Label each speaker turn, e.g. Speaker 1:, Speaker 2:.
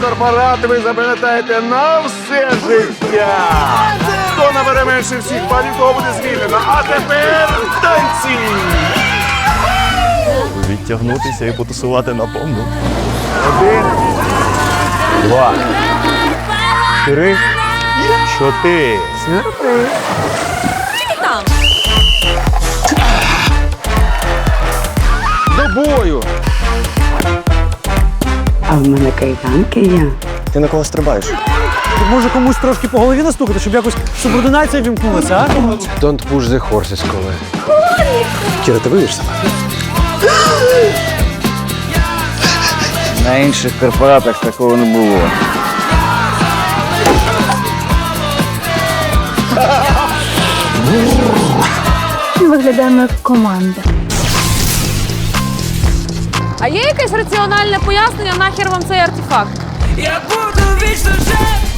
Speaker 1: корпорат ви запам'ятаєте на все життя. Хто набере менше всіх балів, того буде звільнено. А тепер танці!
Speaker 2: Відтягнутися і потусувати наповну.
Speaker 1: 1, 2, 3, 4. До бою!
Speaker 3: А в мене кайданки є.
Speaker 2: Ти на кого стрибаєш?
Speaker 4: Може комусь трошки по голові настукати, щоб якось субординація вімкнулася, а?
Speaker 5: Don't push the horses, коли.
Speaker 2: Кіра, ти вийдеш сама?
Speaker 5: На інших корпоратах такого не було.
Speaker 6: Ми виглядаємо як команда.
Speaker 7: А є якесь раціональне пояснення, нахер вам цей артефакт?
Speaker 8: Я буду вічно жити.